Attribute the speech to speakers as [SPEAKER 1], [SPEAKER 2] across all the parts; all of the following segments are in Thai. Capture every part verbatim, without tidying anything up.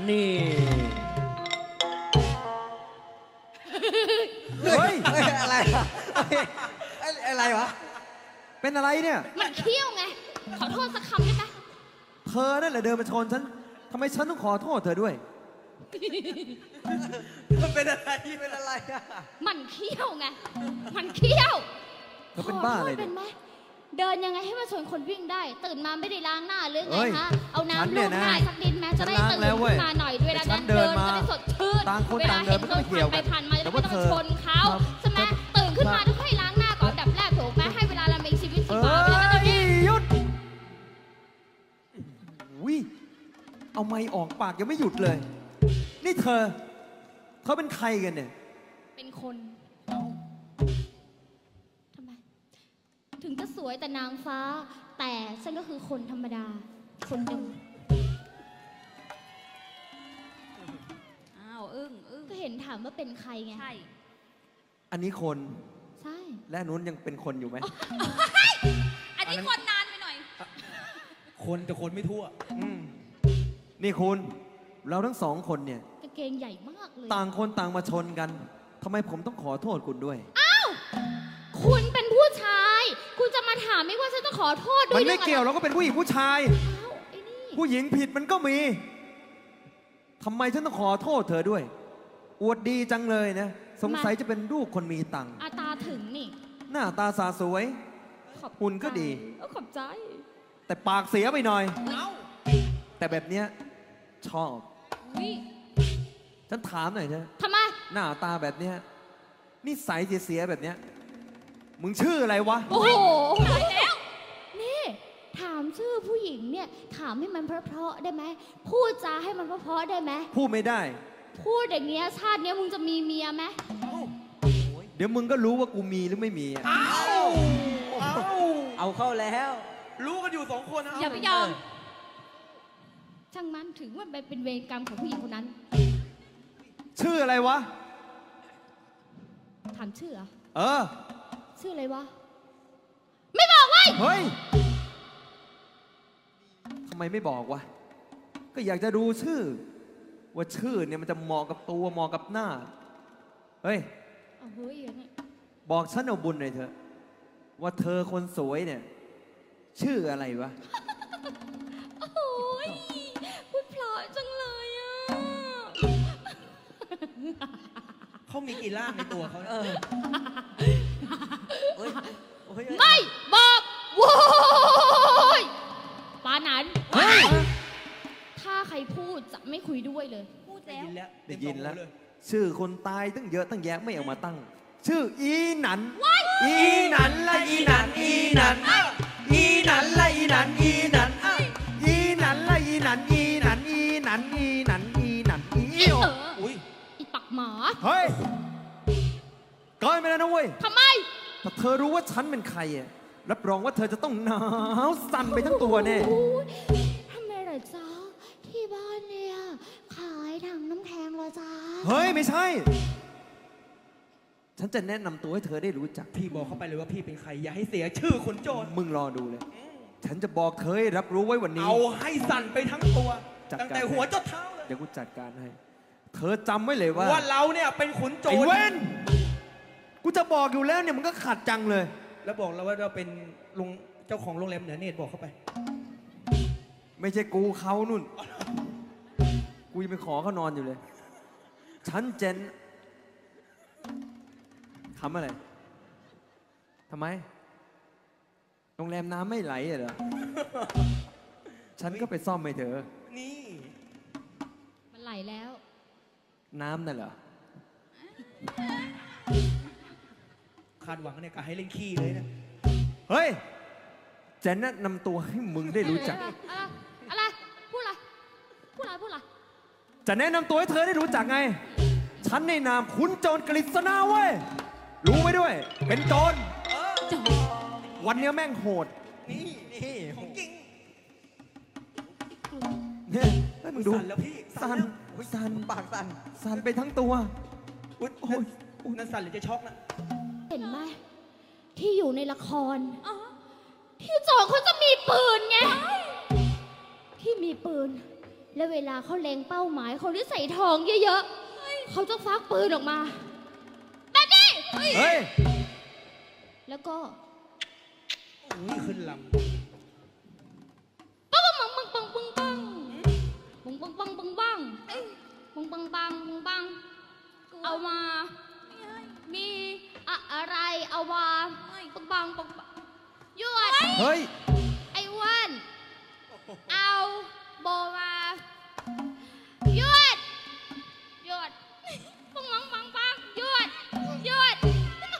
[SPEAKER 1] นี่
[SPEAKER 2] เฮ้ยอะไรอะอะไรวะเป็นอะไรเนี่ย
[SPEAKER 3] มันเขี้ยวไงขอโทษสักคำได้ไหม
[SPEAKER 2] เธอนั่นแหละเดินมาชนฉันทำไมฉันต้องขอโทษเธอด้วยมันเป็นอะไรเป็นอะไรอะ
[SPEAKER 3] มันเขี้ยวไงมันเขี้ยว
[SPEAKER 2] เธอเป็นบ้าอะไร
[SPEAKER 3] ขโทษ
[SPEAKER 2] เนี่
[SPEAKER 3] เป็
[SPEAKER 2] ย
[SPEAKER 3] นไหมเดินยังไงให้มาชนคนวิ่งได้ ตื่นมาไม่ได้ล้างหน้าหรือไง
[SPEAKER 2] เฮ้ย
[SPEAKER 3] ฮะเอา
[SPEAKER 2] ฉัน
[SPEAKER 3] น้ำ
[SPEAKER 2] เนี่
[SPEAKER 3] ลู
[SPEAKER 2] ย
[SPEAKER 3] บ
[SPEAKER 2] นะ
[SPEAKER 3] หน้าสักนิดแม้จะได้
[SPEAKER 2] ฉันล้าง
[SPEAKER 3] ตื่น
[SPEAKER 2] แล้วเว้ย
[SPEAKER 3] ขึ้นมาหน่อยเวลา
[SPEAKER 2] แต่ฉั
[SPEAKER 3] นั้น น
[SPEAKER 2] เดิ
[SPEAKER 3] เดิ
[SPEAKER 2] น
[SPEAKER 3] น
[SPEAKER 2] มา
[SPEAKER 3] จะได้สดชื่น
[SPEAKER 2] ต่างคน
[SPEAKER 3] เวลา
[SPEAKER 2] ต่างเดิ
[SPEAKER 3] เห็
[SPEAKER 2] น
[SPEAKER 3] น
[SPEAKER 2] มัน
[SPEAKER 3] ค
[SPEAKER 2] ก็
[SPEAKER 3] น
[SPEAKER 2] ไม่เกี่ยว
[SPEAKER 3] ผ่านไป
[SPEAKER 2] กัน
[SPEAKER 3] ผ่านมาจะ
[SPEAKER 2] แต่
[SPEAKER 3] ไม่
[SPEAKER 2] ว่า
[SPEAKER 3] ต้อง
[SPEAKER 2] เธอ
[SPEAKER 3] ชนเขา
[SPEAKER 2] ครับ
[SPEAKER 3] ใช่ไหมตื่นขึ้นมาต้องให้ล้างหน้าก่อนอันดับแรกถูกไหมให้เวลาเรามีชีวิตชี
[SPEAKER 2] เอ้
[SPEAKER 3] วาเวลาเราจะ
[SPEAKER 2] ย
[SPEAKER 3] วิ่ง
[SPEAKER 2] หยุดวิเอาไม้ออกปากยังไม่หยุดเลย นี่เธอเธอเป็นใครกันเนี่ย
[SPEAKER 3] เป็นคนทำไมถึงจะสวยแต่นางฟ้า แต่ฉันก็คือคนธรรมดา คนหนึ่ง
[SPEAKER 4] อ้าวอึ้งอึ้ง
[SPEAKER 3] ก็เห็นถามว่าเป็นใครไง
[SPEAKER 4] ใช่
[SPEAKER 2] อันนี้คน
[SPEAKER 3] ใช่
[SPEAKER 2] และอันนู้นยังเป็นคนอยู่ไหม
[SPEAKER 4] อันนี้คนนานไปหน่อย
[SPEAKER 1] คนแต่คนไม่ทั่ว
[SPEAKER 2] อืมนี่คุณ เราทั้งสองคนเนี่ย
[SPEAKER 3] กางเกงใหญ่มากเลย
[SPEAKER 2] ต่างคนต่างมาชนกันทำไมผมต้องขอโทษคุณด้วย
[SPEAKER 3] คุณเป็นผู้ชาย คุณจะมาถามไม่ว่าฉันต้องขอโทษด้
[SPEAKER 2] มั
[SPEAKER 3] วย
[SPEAKER 2] นไม่เกี่ยว
[SPEAKER 3] หรอ
[SPEAKER 2] เราก็เป็นผู้หญิงผู้ชาย
[SPEAKER 3] อ้าวไอ้นี่
[SPEAKER 2] ผู้หญิงผิดมันก็มีทำไมฉันต้องขอโทษเธอด้วย อวดดีจังเลยนะ สงสัยจะเป็นลูกคนมีตังค์
[SPEAKER 3] อาตาถึงนี่
[SPEAKER 2] หน้าตาสาสวย
[SPEAKER 3] ขอบ
[SPEAKER 2] หุ่นก็ดี
[SPEAKER 3] เออขอบใจ
[SPEAKER 2] แต่ปากเสียไปหน่อย แต่แบบเนี้ยชอบ
[SPEAKER 4] วิ
[SPEAKER 2] ฉันถามหน่อยเถอะ
[SPEAKER 3] ทำไม
[SPEAKER 2] หน้าตาแบบเนี้ยนิสัยเสียๆแบบเนี้ยมึงชื่ออะไรวะ
[SPEAKER 3] โอ้โหตายแล้ว นี่ ถามชื่อผู้หญิงเนี่ย ถามให้มันเพราะๆได้ไหม พูดจาให้มันเพราะๆได้ไหม
[SPEAKER 2] พูดไม่ได้
[SPEAKER 3] พูดอย่างเงี้ยชาติเนี้ยมึงจะมีเมียไหม
[SPEAKER 2] เดี๋ยวมึงก็รู้ว่ากูมีหรือไม่มีอะ
[SPEAKER 1] เอาเข้าแล้ว
[SPEAKER 5] รู้กันอยู่สองคนนะ
[SPEAKER 4] อย่าไปยอม
[SPEAKER 3] ช่างมันถึงว่ามันเป็นเวรกรรมของผู้หญิงคนนั้น
[SPEAKER 2] ชื่ออะไรวะ
[SPEAKER 3] ถามชื่อเหรอ
[SPEAKER 2] เออ
[SPEAKER 3] ชื่ออะไรวะ ไม่บอกเว้ย
[SPEAKER 2] เฮ้ย ทำไมไม่บอกวะ ก็อยากจะดูชื่อ ว่าชื่อเนี่ยมันจะเหมาะกับตัวเหมาะกับหน้า เฮ้ย
[SPEAKER 3] เอาเฮ้ยอย่างเงี้ย
[SPEAKER 2] บอกฉันเอาบุญหน่อยเถอะ ว่าเธอคนสวยเนี่ย ชื่ออะไรวะ
[SPEAKER 3] โอ้ยพูดเพราะจังเลยอ่ะ
[SPEAKER 5] เขามีกี่ร่างในตัวเขาเนี่ย
[SPEAKER 1] เฮ้ยโอ้ย
[SPEAKER 3] ไม่บอกโว้ยปานั้น
[SPEAKER 2] เฮ้ย
[SPEAKER 3] ถ้าใครพูดจะไม่คุยด้วยเลย
[SPEAKER 4] พูด
[SPEAKER 5] ได้
[SPEAKER 4] แล้ว
[SPEAKER 5] ยินแล้ว
[SPEAKER 2] ได้ยินแล้ว
[SPEAKER 5] เต็มสองหูเ
[SPEAKER 2] ชื่อคนตายตั้งเยอะตั้งแยะไม่เอามาตั้ง ชื่ออีหนัน อีหนันละอีหนัน อีหนัน อีหนันละอีหนัน อีหนัน อีหนันละอีหนัน อีหนัน อีหนัน อีหนัน อีหนัน อี
[SPEAKER 3] อี
[SPEAKER 2] โอ
[SPEAKER 3] เออ
[SPEAKER 5] อุ้ย
[SPEAKER 3] อีปักหมา
[SPEAKER 2] เฮ้ยเกินไปแล้วนะเว้ย
[SPEAKER 3] ทำไม
[SPEAKER 2] ถ้าเธอรู้ว่าฉันเป็นใครอะรับรองว่าเธอจะต้องหนาวสั่นไปทั้งตัวแน่
[SPEAKER 3] โอ้ยทำไมเหรอจ๊ะที่บ้านเนี่ยขายถังน้ำแข็งเหรอจ๊ะ
[SPEAKER 2] เฮ้ย ไม่ใช่ ฉันจะแนะนำตัวให้เธอได้รู้จัก
[SPEAKER 5] พี่บอกเข้าไปเลยว่าพี่เป็นใคร อย่าให้เสียชื่อคนโจร
[SPEAKER 2] มึงรอดูเลย ฉันจะบอกเธอให้รับรู้ไว้วันนี้
[SPEAKER 5] เอาให้สั่นไปทั้งตัว
[SPEAKER 2] จัดการ
[SPEAKER 5] ตั้งแต่หัวจนเท้าเลย
[SPEAKER 2] เดี๋ยวกูจัดการให้ เธอจำไว้เลยว่า
[SPEAKER 5] ว่าเราเนี่ยเป็นขุนโจร
[SPEAKER 2] ไอ้เว้น กูจะบอกอยู่แล้วเนี่ยมันก็ขัดจังเลย
[SPEAKER 5] แล้วบอกเราว่าเราเป็นลุงเจ้าของโรงแรมเหนือเนตรบอกเข้าไป
[SPEAKER 2] ไม่ใช่กูเขานุ่น กูยังไปขอเขานอนอยู่เลย ฉันเจนทำอะไรทำไม โรงแรมน้ำไม่ไหลเหรอ ฉันก็ไปซ่อมให้เธอ
[SPEAKER 5] นี่
[SPEAKER 3] มันไหลแล้ว
[SPEAKER 2] น้ำน่ะเหรอ
[SPEAKER 5] คาดหวังเนี่ยกะให้เล่นขี้เลยนะ
[SPEAKER 2] เฮ้ย จะแนะนำตัวให้มึงได้รู้จัก
[SPEAKER 3] อะไรอะไร พูดอะไร พูดอะไร พูดอะไร
[SPEAKER 2] จะแนะนำตัวให้เธอได้รู้จักไง ฉันในนามขุนโจรกฤษณาเว้ย รู้ไว้ด้วย เป็นโจร
[SPEAKER 4] จบ
[SPEAKER 2] วันเนี้ยแม่งโหด
[SPEAKER 5] นี่นี่ของจริง
[SPEAKER 2] เนี่ยเฮ้ยมึงดู
[SPEAKER 5] สั่นแล้วพี่
[SPEAKER 2] สั่น
[SPEAKER 5] แล้ว
[SPEAKER 2] สั่น
[SPEAKER 5] ปากสั่น
[SPEAKER 2] สั่นไปทั้งตัว
[SPEAKER 5] อุ๊ย
[SPEAKER 2] โอ้ย
[SPEAKER 5] อุ๊ยนั่นสั่นหรือจะช็อกนะ
[SPEAKER 3] เห็นไหมที่อยู่ในละคร
[SPEAKER 4] อ๋อ
[SPEAKER 3] ที่โจรเขาจะมีปืนไง ที่มีปืนแล้วเวลาเขาเล็งเป้าหมายเขาได้ใส่ทองเยอะๆเขาจะฟักปืนออกมาแบบนี้
[SPEAKER 2] เฮ้ย
[SPEAKER 3] แล้วก็
[SPEAKER 5] อุ้ยขึ้นล
[SPEAKER 3] ปังปังปังปังปังปังปังปังปังปังปังปังปังปังปังปังเอามา มีอะอะไรเอามาปังปังปังปังหยวด
[SPEAKER 2] เฮ้ย
[SPEAKER 3] ไอ้อ้วันเอาโบมาหยวดหยวดปังปังปังปังหยวดหยวด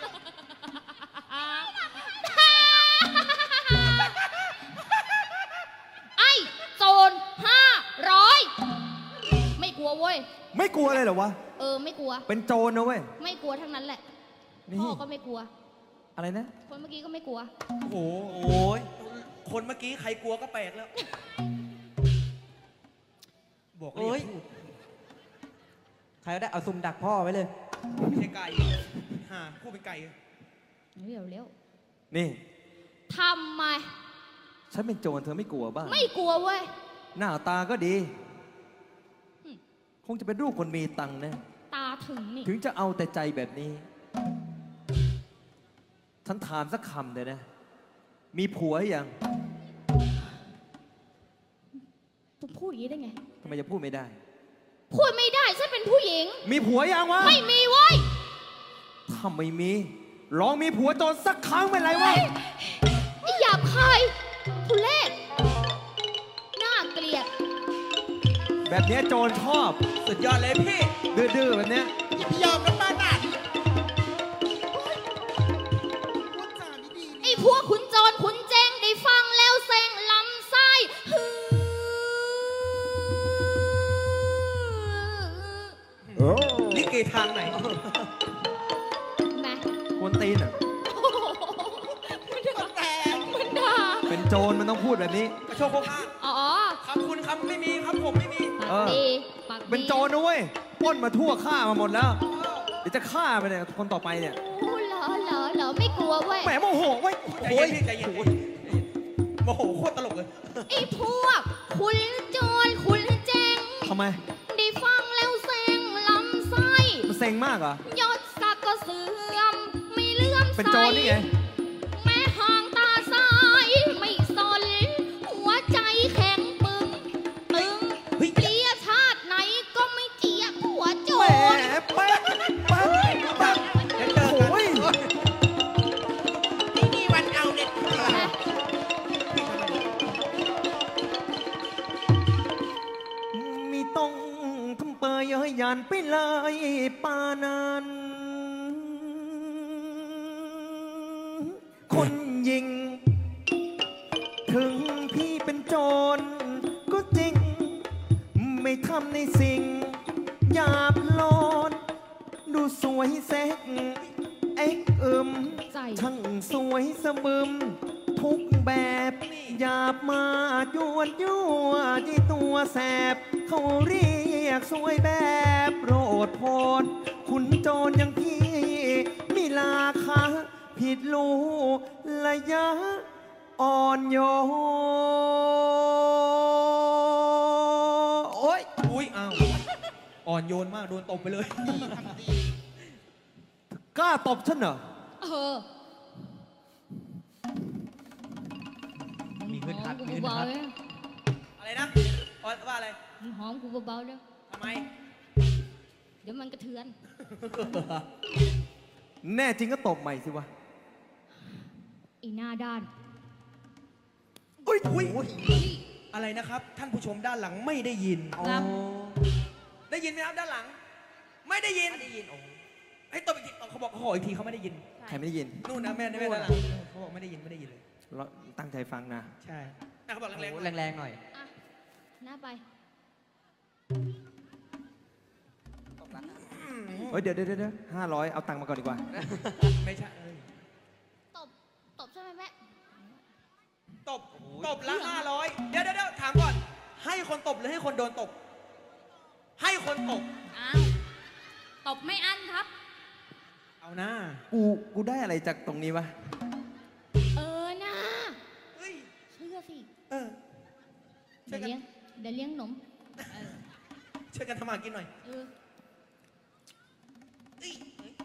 [SPEAKER 3] ไอ้โจรห้าร้อยไม่กลัวเว้ย
[SPEAKER 2] ไม่กลัวเลยเหรอวะ
[SPEAKER 3] เออไม่กลัว
[SPEAKER 2] เป็นโจรนะเว้ย
[SPEAKER 3] ไม่กลัวทั้งนั้นแหละ
[SPEAKER 2] นี่
[SPEAKER 3] พ่อก็ไม่กลัว
[SPEAKER 2] อะไรนะ
[SPEAKER 3] คนเมื่อกี้ก็ไม่กลัว
[SPEAKER 5] ำโอ้โห
[SPEAKER 1] โอ้ย
[SPEAKER 5] คนเมื่อกี้ใครกลัวก็แปลกแล้ว บอกเล
[SPEAKER 1] โอ้ย
[SPEAKER 5] ยพูด
[SPEAKER 1] ใครก็ได้เอาซุ่มดักพ่อไว้เลย
[SPEAKER 5] ไม่ใช่ไก่ห่าพูดเป็นไก่
[SPEAKER 3] เร็วเร็ว
[SPEAKER 2] นี่
[SPEAKER 3] ทำไม
[SPEAKER 2] ฉันเป็นโจรเธอไม่กลัวบ้าง
[SPEAKER 3] ไม่กลัวเว้ย
[SPEAKER 2] หน้าตาก็ดี
[SPEAKER 3] อืม
[SPEAKER 2] คงจะเป็นรูปคนมีตังค์นะ
[SPEAKER 3] ตาถึงนี่
[SPEAKER 2] ถึงจะเอาแต่ใจแบบนี้ ฉันถามสักคำเลยนะ มีผัวหรือยัง
[SPEAKER 3] ผมพูดอย่างนี้ได้ไง
[SPEAKER 2] ทำไมจะพูดไม่ได้
[SPEAKER 3] พูดไม่ได้ฉันเป็นผู้หญิง
[SPEAKER 2] มีผัวยังวะ
[SPEAKER 3] ไม่มีเว้ย
[SPEAKER 2] ถ้าไม่มี ลองมีผัวโจรสักครั้งเป็นไรวะ
[SPEAKER 3] ไอ้หยาบคายทุเรศน่าเกลียด
[SPEAKER 2] แบบเนี้ยโจรชอบ
[SPEAKER 5] สุดยอดเลยพี่
[SPEAKER 2] ดื้อๆแบบเนี้ย
[SPEAKER 5] ยอมน้ำมันอ่ะ
[SPEAKER 3] ไอ้พวกขุนโจรขุนเจงได้ฟังแล้วเซ็งลำไส้ฮือ
[SPEAKER 5] ลิเกทางไหน
[SPEAKER 3] แม่
[SPEAKER 2] กวนตีนอ่ะ
[SPEAKER 3] โอ้โหมันด่ามันด่า
[SPEAKER 2] เป็นโจรมันต้องพูดแบบนี้
[SPEAKER 5] กระโชกโคกห้า
[SPEAKER 3] อ๋อ
[SPEAKER 5] คำคุณคำไม่มีคำผมไม่มี
[SPEAKER 3] ปาก
[SPEAKER 2] เออ
[SPEAKER 3] ดีปากดี
[SPEAKER 2] เป็นโจรนะเว้ยปล้นมาทั่วฆ่ามาหมดแล้ว เดี๋ยวจะฆ่าไปเนี่ยคนต่อไปเนี่ย
[SPEAKER 3] โอ้เหรอเหรอเหรอไม่กลัวเว้ย
[SPEAKER 2] แหมโมโหเว้ย
[SPEAKER 5] ใจ
[SPEAKER 2] โอ้
[SPEAKER 5] เย็
[SPEAKER 2] ย
[SPEAKER 5] นพี่ใจเย็นโมโหโคตรตลกเลย
[SPEAKER 3] ไอ้พวกขุนโจรขุนเจง
[SPEAKER 2] ทำไม
[SPEAKER 3] ได้ฟังแล้วเซ็งลำไส้
[SPEAKER 2] มันเซ็งมากเหรอ
[SPEAKER 3] ยศศักดิ์ก็เสื่อมไม่เลื่อมใส
[SPEAKER 2] เป็นโจรนี่ไง
[SPEAKER 3] แม่ห่างตาซ้ายไม่สนหัวใจแข็งปึงตึง
[SPEAKER 5] เฮ้ย
[SPEAKER 3] เปลี่ยชาติไหนก็ไม่เจียกหัวโจ
[SPEAKER 2] แหม
[SPEAKER 3] ร
[SPEAKER 2] แป๊บแป๊บแป๊บ
[SPEAKER 5] เดี๋ยวเจอ
[SPEAKER 2] โอ้
[SPEAKER 5] กัน
[SPEAKER 2] ย
[SPEAKER 5] นี่นี่วันเอาเด็ดขาด
[SPEAKER 2] มีต้องทำเปยเย้ยยันไปเลยปานันคนยิง ถึงพี่เป็นโจรก็จริง ไม่ทำในสิ่งหยาบโลนดูสวยแซกเอ็กเอิม
[SPEAKER 3] ใจ
[SPEAKER 2] ช่างสวยสะบึม ทุกแบบหยาบมาจวนยั่วที่ตัวแสบ เขาเรียกสวยแบบโปรดโพนคุณโจรอย่างพี่ มีราคาผิดรู้ระยะ อ่อนโยนโอ๊ย
[SPEAKER 5] อุ้ยอ้าวอ่อนโยนมากโดนตบไปเลย
[SPEAKER 2] กล้าตบฉันเหรอ
[SPEAKER 3] เออ
[SPEAKER 1] มีขึ้นทัด
[SPEAKER 3] หอ
[SPEAKER 1] มี
[SPEAKER 3] กู
[SPEAKER 1] ขึ้น
[SPEAKER 3] เบา
[SPEAKER 1] ทัด
[SPEAKER 3] ๆเลย
[SPEAKER 5] อะไรนะว่าว่าอะไร
[SPEAKER 3] หอมกูเบาๆเลย
[SPEAKER 5] ทำไม
[SPEAKER 3] เดี๋ยวมันกระเทือน
[SPEAKER 2] แน่จริงก็ตบใหม่สิวะ
[SPEAKER 3] ไอีหน้าด้าน
[SPEAKER 5] อุ้ยอุ้ยอะไรนะครับ ท่านผู้ชมด้านหลังไม่ได้ยิน
[SPEAKER 3] ครับ
[SPEAKER 5] ได้ยินไหมครับด้านหลัง ไม่ได้ยินไม่ได้ยินโอ้ให้ตบอีกทีเขาบอกเขาขออีกทีเขาไม่ได้ยิน
[SPEAKER 2] ใครไม่ได้ยิน
[SPEAKER 5] นู่นนะแม่แม่ด้านหลังเขาบอกไม่ได้ยินไม่ได้ยินเลย
[SPEAKER 2] เราตั้งใจฟังนะ
[SPEAKER 5] ใช่อ่ะเขาบอกแรงๆหน่อย
[SPEAKER 1] แรงๆหน่อย
[SPEAKER 3] อ่ะ หน้าไป
[SPEAKER 2] เฮ้ย เดี๋ยวเดี๋ยวเดี๋ยวห้าร้อยเอาตังค์มาก่อนดีกว่า
[SPEAKER 5] ไม่ใช่เอ้ย
[SPEAKER 3] ตบ ตบใช่ไหมแม่
[SPEAKER 5] ตบตบละห้าร้อยเดี๋ยวเดี๋ยวเดี๋ยวถามก่อน ให้คนตบหรือให้คนโดนตบ ให้คนตบ
[SPEAKER 4] อ้าวตบไม่อั้นครับ
[SPEAKER 5] เอาหน้า
[SPEAKER 2] กู กูได้อะไรจากตรงนี้วะ
[SPEAKER 3] เออนะ
[SPEAKER 5] เฮ้ย
[SPEAKER 3] เชื่อสิ
[SPEAKER 5] เออ
[SPEAKER 3] เดี๋ยวเลี้ยง เดี๋ยวเลี้ยงหนม
[SPEAKER 5] ช่วยกันทำมาหากินหน่อย
[SPEAKER 3] เออ
[SPEAKER 5] เอ้ยเอ้ย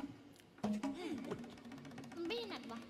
[SPEAKER 3] มันไม่หนักวะ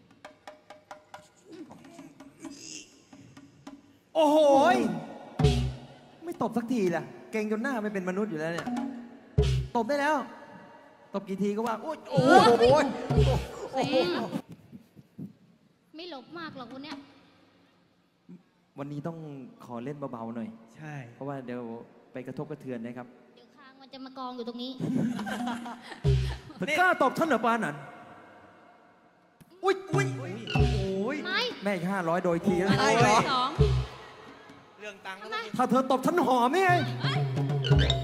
[SPEAKER 2] โอ้โหยไม่ตบสักทีล่ะ เก่งจนหน้าไม่เป็นมนุษย์อยู่แล้วเนี่ย ตบได้แล้ว ตบกี่ทีก็ว่า โอ้ยโอ้โห
[SPEAKER 3] เซงไม่หลบมากหรอกวันเนี้ย
[SPEAKER 2] วันนี้ต้องขอเล่นเบาๆหน่อย
[SPEAKER 5] ใช่
[SPEAKER 2] เพราะว่าเดี๋ยวไปกระทบกระเทือนนะครับ
[SPEAKER 3] เดี๋ยวคางมันจะมากองอยู่ตรงนี้
[SPEAKER 2] เธอกล้าตบท่านเหรอปานันอุ้ยอุ้ย
[SPEAKER 5] โอ้ย
[SPEAKER 3] ไม่
[SPEAKER 2] แม่อีกห้าร้อยโดยทีแล้ว
[SPEAKER 4] อะไร
[SPEAKER 5] เหรอ
[SPEAKER 4] สอง
[SPEAKER 5] เรื่องตังค์
[SPEAKER 3] ทำไม
[SPEAKER 2] ถ้าเธอตบท่านหอมนี่ไง
[SPEAKER 3] เอ้ย